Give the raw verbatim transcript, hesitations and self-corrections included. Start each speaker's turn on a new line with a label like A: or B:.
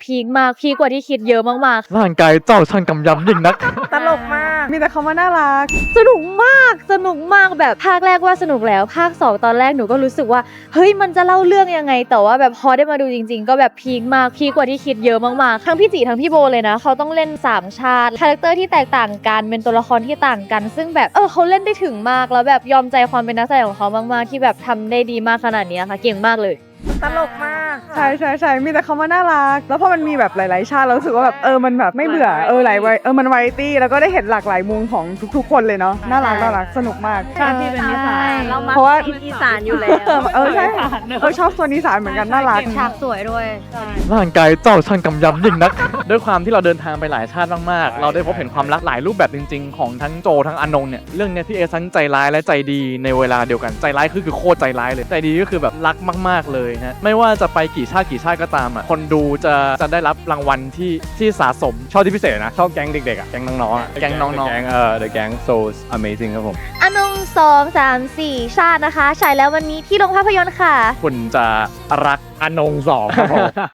A: พีคมากพีคกว่าที่คิดเยอะมากๆ
B: ร่างกายเจ้าช่างกำยำยิ่งนัก
C: ตลกมากมีแต่คำว่าน่ารัก
A: สนุกมากสนุกมากแบบภาคแรกว่าสนุกแล้วภาคสองตอนแรกหนูก็รู้สึกว่าเฮ้ยมันจะเล่าเรื่องยังไงแต่ว่าแบบพอได้มาดูจริงๆก็แบบพีคมากพีคกว่าที่คิดเยอะมากๆทั้งพี่จีทั้งพี่โบเลยนะเขาต้องเล่นสามชาติคาแรคเตอร์ที่แตกต่างกันเป็นตัวละครที่ต่างกัน ซึ่งแบบเออเขาเล่นได้ถึงมากแล้วแบบยอมใจความเป็นนักแสดงของเขามากๆที่แบบทำได้ดีมากขนาดนี้ค่ะเก่งมากเลย
C: ตลกมากใช่ใช่ใช่มีแต่คำว่าน่ารักแล้วพอมันมีแบบหลายๆชาติเรารู้สึกว่าแบบเออมันแบบไม่เบื่อเออหลายวัยเออมันวาไรตี้แล้วก็ได้เห็นหลากหลายมุมของทุกๆคนเลยเนาะน่ารักน่ารักสนุกมาก
D: ชาติที่เป็นอีสานเรามา
C: เพราะว่า
D: อีสานอยู่แล้ว
C: เออใช่เออชอบโซนอีสานเหมือนกันน่ารัก
A: ฉากสวยด้วย
B: ร่างกายเจ้าช่างกำยำยิ่งนัก ด้วยความที่เราเดินทางไปหลายชาติมากๆ เราได้พบเห็นความรักหลายรูปแบบจริงๆ ของทั้งโจทั้งอานงเนี่ยเรื่องเนี้ยพี่เอทั้งใจร้ายและใจดีในเวลาเดียวกันใจร้ายคือคือโคตรใจร้ายเลยใจดีก็คือแบบรักมากๆเลยฮะไม่ว่าจะไปกี่ชาติกี่ชาติก็ตามอ่ะคนดูจะจะได้รับรางวัลที่ที่สะสม
E: ชอบที่พิเศษนะ ชอบแก๊งเด็กๆอ่ะ แก๊งน้องๆอ่ะ
B: แก๊งน้องๆ
E: แก๊งเอ่อ The Gang So Amazing ครับผม
A: อนงสองสามสี่ชาตินะคะฉายแล้ววันนี้ที่โรงภาพยนตร์ค่ะ
B: คุณจะรัก
E: อนงสองครับผม